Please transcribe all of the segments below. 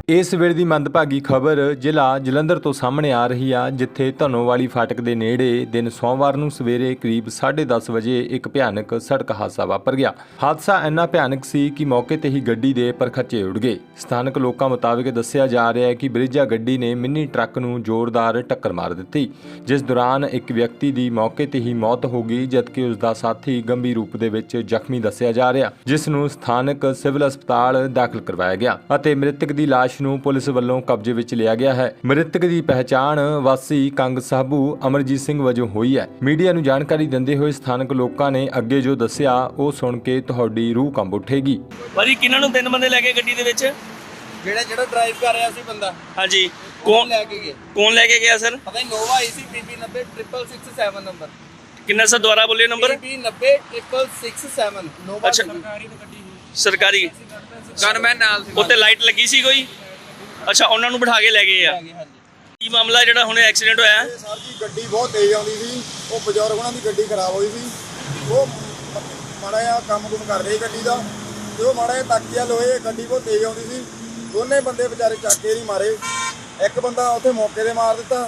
ਇਸ ਵੇਲੇ ਦੀ ਮੰਦਭਾਗੀ ਖਬਰ ਜ਼ਿਲ੍ਹਾ ਜਲੰਧਰ ਤੋਂ ਸਾਹਮਣੇ ਆ ਰਹੀ ਆ, ਜਿੱਥੇ ਧਨੋਵਾਲੀ ਫਾਟਕ ਦੇ ਨੇੜੇ ਦਿਨ ਸੋਮਵਾਰ ਨੂੰ ਸਵੇਰੇ ਕਰੀਬ 10:30 ਵਜੇ ਇੱਕ ਭਿਆਨਕ ਸੜਕ ਹਾਦਸਾ ਵਾਪਰ ਗਿਆ। ਹਾਦਸਾ ਇੰਨਾ ਭਿਆਨਕ ਸੀ ਕਿ ਮੌਕੇ ਤੇ ਹੀ ਗੱਡੀ ਦੇ ਪਰਖੱਚੇ ਉੱਡ ਗਏ। ਸਥਾਨਕ ਲੋਕਾਂ ਮੁਤਾਬਕ ਦੱਸਿਆ ਜਾ ਰਿਹਾ ਹੈ ਕਿ ਬ੍ਰਿਜਾ ਗੱਡੀ ਨੇ ਮਿੰਨੀ ਟਰੱਕ ਨੂੰ ਜ਼ੋਰਦਾਰ ਟੱਕਰ ਮਾਰ ਦਿੱਤੀ, ਜਿਸ ਦੌਰਾਨ ਇੱਕ ਵਿਅਕਤੀ ਦੀ ਮੌਕੇ ਤੇ ਹੀ ਮੌਤ ਹੋ ਗਈ, ਜਦਕਿ ਉਸ ਦਾ ਸਾਥੀ ਗੰਭੀਰ ਰੂਪ ਦੇ ਵਿੱਚ ਜ਼ਖਮੀ ਦੱਸਿਆ ਜਾ ਰਿਹਾ, ਜਿਸ ਨੂੰ ਸਥਾਨਕ ਸਿਵਲ ਹਸਪਤਾਲ ਦਾਖਲ ਕਰਵਾਇਆ ਗਿਆ ਅਤੇ ਮ੍ਰਿਤਕ ਦੀ ਲਾਸ਼ ਨੂੰ ਪੁਲਿਸ ਵੱਲੋਂ ਕਬਜ਼ੇ ਵਿੱਚ ਲਿਆ ਗਿਆ ਹੈ। ਮ੍ਰਿਤਕ ਦੀ ਪਹਿਚਾਣ ਵਾਸੀ ਕੰਗ ਸਾਬੂ ਅਮਰਜੀਤ ਸਿੰਘ ਵਜੋਂ ਹੋਈ ਹੈ। ਮੀਡੀਆ ਨੂੰ ਜਾਣਕਾਰੀ ਦਿੰਦੇ ਹੋਏ ਸਥਾਨਕ ਲੋਕਾਂ ਨੇ ਅੱਗੇ ਜੋ ਦੱਸਿਆ ਉਹ ਸੁਣ ਕੇ ਤੁਹਾਡੀ ਰੂਹ ਕੰਬ ਉੱਠੇਗੀ। ਭਾਜੀ ਕਿਹਨਾਂ ਨੂੰ 3 ਬੰਦੇ ਲੈ ਕੇ ਗੱਡੀ ਦੇ ਵਿੱਚ? ਜਿਹੜਾ ਡਰਾਈਵ ਕਰ ਰਿਹਾ ਸੀ ਬੰਦਾ। ਹਾਂਜੀ, ਕੌਣ ਲੈ ਕੇ ਗਿਆ? ਕੌਣ ਲੈ ਕੇ ਗਿਆ ਸਰ? ਪਤਾ ਨਹੀਂ, ਨੋਵਾ ਆਈ ਸੀ PB 90 ਨੰਬਰ। ਕਿੰਨਾ ਸਰ ਦੁਬਾਰਾ ਬੋਲਿਓ ਨੰਬਰ? PB 90 ਨੋਵਾ। ਅੱਛਾ, ਸਰਕਾਰੀ ਗਨਮੈਨ ਨਾਲ ਸੀ। ਉੱਤੇ ਲਾਈਟ ਲੱਗੀ ਸੀ ਕੋਈ? ਅੱਛਾ, ਉਹਨਾਂ ਨੂੰ ਬਿਠਾ ਕੇ ਲੈ ਗਏ ਆ। ਕੀ ਮਾਮਲਾ ਜਿਹੜਾ ਹੁਣੇ ਐਕਸੀਡੈਂਟ ਹੋਇਆ? ਸਰ ਜੀ ਗੱਡੀ ਬਹੁਤ ਤੇਜ਼ ਆਉਂਦੀ ਸੀ, ਉਹ ਬਜ਼ੁਰਗ ਉਹਨਾਂ ਦੀ ਗੱਡੀ ਖਰਾਬ ਹੋਈ ਸੀ। ਉਹ ਮਾੜਾ ਜਿਹਾ ਕੰਮ ਕਰ ਰਹੀ ਗੱਡੀ ਦਾ, ਤੇ ਉਹ ਮਾੜਾ ਜਿਹਾ ਤੱਕਿਆ ਲੋਏ, ਗੱਡੀ ਬਹੁਤ ਤੇਜ਼ ਆਉਂਦੀ ਸੀ। ਦੋਨੇ ਬੰਦੇ ਵਿਚਾਰੇ ਚੱਕ ਕੇ ਨਹੀਂ ਮਾਰੇ। ਇੱਕ ਬੰਦਾ ਉੱਥੇ ਮੌਕੇ ਤੇ ਮਾਰ ਦਿੱਤਾ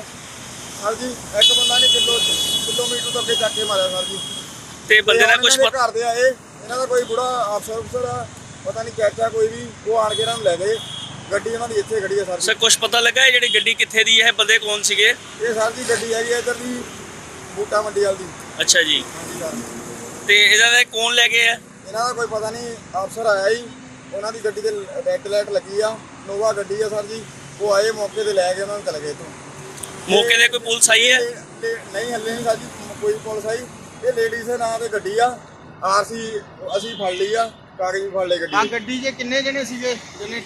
ਸਰ ਜੀ, ਇੱਕ ਬੰਦਾ ਨੇ ਕਿਲੋਮੀਟਰ ਤੋਂ ਅੱਗੇ ਚੱਕ ਕੇ ਮਾਰਿਆ ਸਰ ਜੀ। ਤੇ ਬੰਦੇ ਦਾ ਕੁਝ ਘਰ ਦੇ ਆਏ, ਇਹਨਾਂ ਦਾ ਕੋਈ ਬੁੜਾ ਅਫਸਰ ਆ, ਪਤਾ ਨਹੀਂ ਚਾਚਾ ਕੋਈ ਵੀ, ਉਹ ਆਣ ਕੇ ਇਹਨਾਂ ਨੂੰ ਲੈ ਗਏ। ਗੱਡੀ ਉਹਨਾਂ ਦੀ ਇੱਥੇ ਖੜੀ ਹੈ ਸਰ। ਸਰ ਕੁਝ ਪਤਾ ਲੱਗਾ ਜਿਹੜੀ ਗੱਡੀ ਕਿੱਥੇ ਦੀ ਹੈ, ਬੰਦੇ ਕੌਣ ਸੀਗੇ? ਇਹ ਸਰ ਜੀ ਗੱਡੀ ਹੈਗੀ ਇੱਧਰ ਦੀ ਬੂਟਾ ਮੰਡੀ ਵਾਲੀ ਦੀ। ਅੱਛਾ ਜੀ, ਹਾਂਜੀ ਸਰ। ਤੇ ਇਹਦਾ ਦਾ ਕੌਣ ਲੈ ਗਏ ਆ? ਇਹਨਾਂ ਦਾ ਕੋਈ ਪਤਾ ਨਹੀਂ, ਅਫਸਰ ਆਇਆ ਜੀ, ਉਹਨਾਂ ਦੀ ਗੱਡੀ ਤੇ ਰੈੱਡ ਲਾਈਟ ਲੱਗੀ ਆ, ਨੋਵਾ ਗੱਡੀ ਆ ਸਰ ਜੀ। ਉਹ ਆਏ ਮੌਕੇ ਤੇ ਲੈ ਕੇ ਉਹਨਾਂ ਨੂੰ ਚਲੇ ਗਏ ਇੱਥੋਂ। ਮੌਕੇ ਤੇ ਕੋਈ ਪੁਲਿਸ ਆਈ ਹੈ? ਨਹੀਂ, ਹੱਲੇ ਨਹੀਂ ਸਰ ਜੀ ਕੋਈ ਪੁਲਿਸ ਆਈ। ਇਹ ਲੇਡੀਜ਼ ਦੇ ਨਾਂ ਤੇ ਗੱਡੀ ਆ, ਆਰਸੀ ਅਸੀਂ ਫੜ ਲਈ ਆ, ਕਾਗਜ਼ ਵੀ ਫੜ ਲਏ ਗੱਡੀ। ਆ ਗੱਡੀ 'ਚ ਕਿੰਨੇ ਜਣੇ ਸੀਗੇ?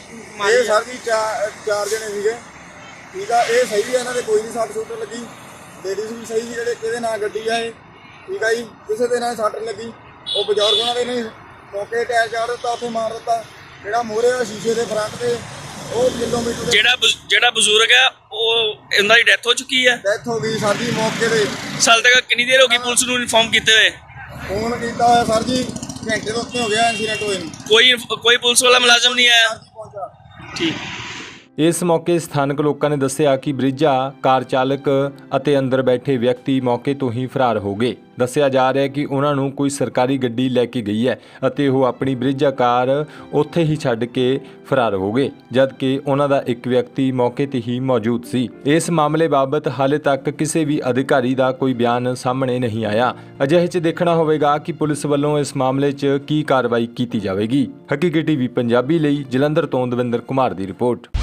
ਇਹ ਸਰ ਜੀ ਚਾਰ ਜਣੇ ਸੀਗੇ। ਠੀਕ ਆ, ਇਹ ਸਹੀ ਆ, ਇਹਨਾਂ ਦੇ ਕੋਈ ਨਹੀਂ ਸੱਟ ਸੁੱਟ ਲੱਗੀ। ਲੇਡੀਜ਼ ਵੀ ਸਹੀ, ਜਿਹੜੇ ਇਹਦੇ ਨਾਲ ਗੱਡੀ ਆ ਇਹ। ਠੀਕ ਆ ਜੀ, ਕਿਸੇ ਦੇ ਨਾਲ ਸੱਟ ਲੱਗੀ। ਉਹ ਬਜ਼ੁਰਗ ਉਹਨਾਂ ਦੇ ਨਹੀਂ ਮੌਕੇ ਟਾਇਰ ਚਾੜ ਦਿੱਤਾ, ਉੱਥੇ ਮਾਰ ਦਿੱਤਾ। ਜਿਹੜਾ ਮੂਹਰੇ ਆ ਸ਼ੀਸ਼ੇ ਦੇ ਫਰੰਟ ਤੇ, ਉਹ ਕਿਲੋਮੀਟਰ ਜਿਹੜਾ ਬਜ਼ੁਰਗ ਹੈ ਉਹ ਇਹਨਾਂ ਦੀ ਡੈਥ ਹੋ ਚੁੱਕੀ ਹੈ? ਡੈਥ ਹੋ ਗਈ ਸਰ ਜੀ ਮੌਕੇ ਤੇ। ਸਾਲ ਤੱਕ ਕਿੰਨੀ ਦੇਰ ਹੋ ਗਈ ਪੁਲਿਸ ਨੂੰ ਇਨਫੋਰਮ ਕੀਤੇ ਹੋਏ? ਫੋਨ ਕੀਤਾ ਹੋਇਆ ਸਰ ਜੀ, ਘੰਟੇ ਤੋਂ ਉੱਤੇ ਹੋ ਗਿਆ ਇਨਸੀਡੈਂਟ ਹੋਏ ਨੂੰ। ਕੋਈ ਪੁਲਿਸ ਵਾਲਾ ਮੁਲਾਜ਼ਮ ਨਹੀਂ ਆਇਆ? ਪਹੁੰਚਾ ਠੀਕ। ਇਸ ਮੌਕੇ ਸਥਾਨਕ ਲੋਕਾਂ ਨੇ ਦੱਸਿਆ ਕਿ ਬ੍ਰਿਜਾ ਕਾਰ ਚਾਲਕ ਅਤੇ ਅੰਦਰ ਬੈਠੇ ਵਿਅਕਤੀ ਮੌਕੇ ਤੋਂ ਹੀ ਫਰਾਰ ਹੋ ਗਏ। ਦੱਸਿਆ ਜਾ ਰਿਹਾ ਹੈ ਕਿ ਉਹਨਾਂ ਨੂੰ ਕੋਈ ਸਰਕਾਰੀ ਗੱਡੀ ਲੈ ਕੇ ਗਈ ਹੈ ਅਤੇ ਉਹ ਆਪਣੀ ਬ੍ਰਿਜਾ ਕਾਰ ਉੱਥੇ ਹੀ ਛੱਡ ਕੇ ਫਰਾਰ ਹੋ ਗਏ, ਜਦਕਿ ਉਹਨਾਂ ਦਾ ਇੱਕ ਵਿਅਕਤੀ ਮੌਕੇ ਤੇ ਹੀ ਮੌਜੂਦ ਸੀ। ਇਸ ਮਾਮਲੇ ਬਾਬਤ ਹਾਲੇ ਤੱਕ ਕਿਸੇ ਵੀ ਅਧਿਕਾਰੀ ਦਾ ਕੋਈ ਬਿਆਨ ਸਾਹਮਣੇ ਨਹੀਂ ਆਇਆ। ਅਜਿਹੇ 'ਚ ਦੇਖਣਾ ਹੋਵੇਗਾ ਕਿ ਪੁਲਿਸ ਵੱਲੋਂ ਇਸ ਮਾਮਲੇ 'ਚ ਕੀ ਕਾਰਵਾਈ ਕੀਤੀ ਜਾਵੇਗੀ। ਹਕੀਕੀ ਟੀਵੀ ਪੰਜਾਬੀ ਲਈ ਜਲੰਧਰ ਤੋਂ ਦਵਿੰਦਰ ਕੁਮਾਰ ਦੀ ਰਿਪੋਰਟ।